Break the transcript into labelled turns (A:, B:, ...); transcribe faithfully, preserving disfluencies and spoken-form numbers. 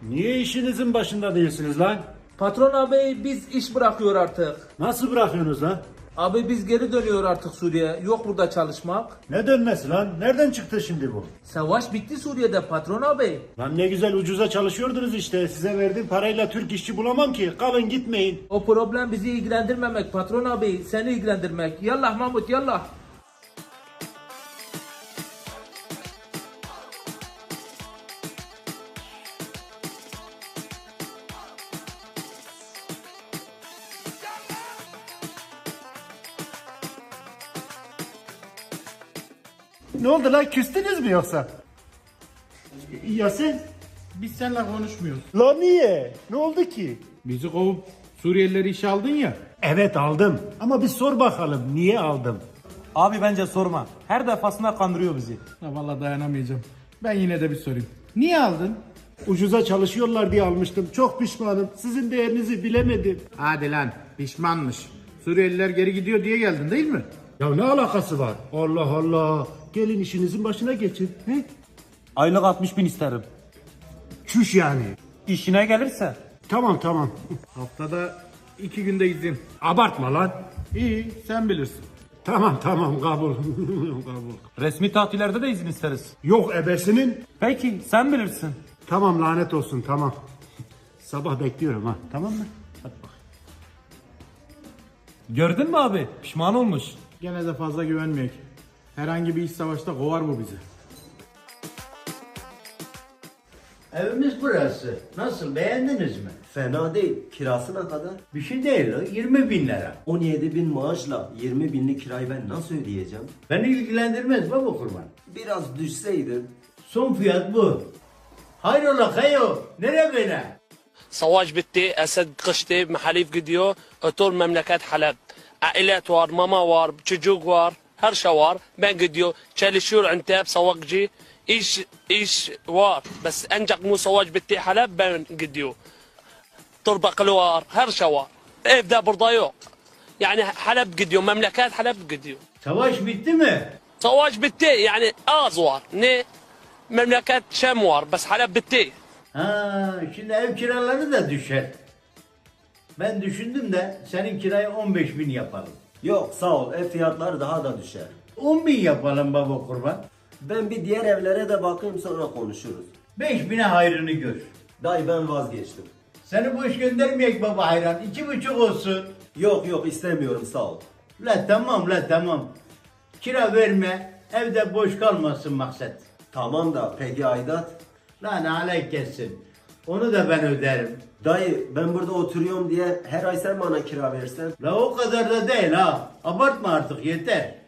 A: Niye işinizin başında değilsiniz lan?
B: Patron abi biz iş bırakıyor artık.
A: Nasıl bırakıyorsunuz lan?
B: Abi biz geri dönüyor artık Suriye. Yok burada çalışmak.
A: Ne dönmesi lan? Nereden çıktı şimdi bu?
B: Savaş bitti Suriye'de patron abi.
A: Lan ne güzel ucuza çalışıyordunuz işte. Size verdiğim parayla Türk işçi bulamam ki. Kalın gitmeyin.
B: O problem bizi ilgilendirmemek patron abi. Seni ilgilendirmek. Yallah Mahmut yallah.
A: Ne oldu lan? Küstünüz mü yoksa? Ya sen?
C: Biz seninle konuşmuyoruz.
A: Lan niye? Ne oldu ki?
C: Bizi kovup Suriyelileri işe aldın ya.
A: Evet aldım. Ama bir sor bakalım niye aldım?
D: Abi bence sorma. Her defasında kandırıyor bizi.
C: Ha, vallahi dayanamayacağım. Ben yine de bir sorayım. Niye aldın?
A: Ucuza çalışıyorlar diye almıştım. Çok pişmanım. Sizin değerinizi bilemedim.
C: Hadi lan pişmanmış. Suriyeliler geri gidiyor diye geldin değil mi?
A: Ya ne alakası var? Allah Allah. Gelin işinizin başına geçin. He?
D: Aylık altmış bin isterim.
A: Çüş yani.
D: İşine gelirse.
A: Tamam tamam.
C: Haftada iki günde izin.
A: Abartma lan.
C: İyi sen bilirsin.
A: Tamam tamam kabul. kabul.
D: Resmi tatillerde de izin isteriz.
A: Yok ebesinin.
D: Peki sen bilirsin.
A: Tamam lanet olsun tamam. Sabah bekliyorum ha. Tamam mı? Hadi bak.
D: Gördün mü abi? Pişman olmuş.
C: Gene de fazla güvenmeyek. Herhangi bir iş savaşta kovar bu bizi.
E: Evimiz burası. Nasıl, beğendiniz mi?
F: Fena değil. Kirası ne kadar?
E: Bir şey değil, o, yirmi bin lira.
F: on yedi bin maaşla yirmi binlik kirayı ben nasıl ödeyeceğim?
E: Beni ilgilendirmez baba kurban.
F: Biraz düşseydim.
E: Son fiyat bu. Hayrola kayo, nere böyle?
G: صواج بتي أسد قشتي محاليف قديو أطول مملكات حلب عائلات وار ماما وار تشجوق وار هرشا وار بين قديو تشالي شور عنتاب سواقجي إيش إيش وار بس أنجق مو صواج بتي حلب بين قديو طربق الوار هرشا وار إيه بدا برضايو يعني حلب قديو مملكات حلب قديو
E: Savaş bitti mi?
G: صواج بتي يعني آزوار ني مملكات شام وار بس حلب بتي.
E: Ha, şimdi ev kiraları da düşer. Ben düşündüm de senin kirayı on beş bin yapalım.
F: Yok sağ ol. Ev fiyatları daha da düşer.
E: on bin yapalım baba kurban.
F: Ben bir diğer evlere de bakayım sonra konuşuruz.
E: beş bine hayrını gör.
F: Dayı ben vazgeçtim.
E: Seni boş göndermeyek baba hayran. İki buçuk olsun.
F: Yok yok istemiyorum sağ ol.
E: La tamam la tamam. Kira verme. Evde boş kalmasın maksat.
F: Tamam da peki aidat?
E: Lan alay kessin. Onu da ben öderim.
F: Dayı ben burada oturuyorum diye her ay sen bana kira versen.
E: La o kadar da değil ha. Abartma artık yeter.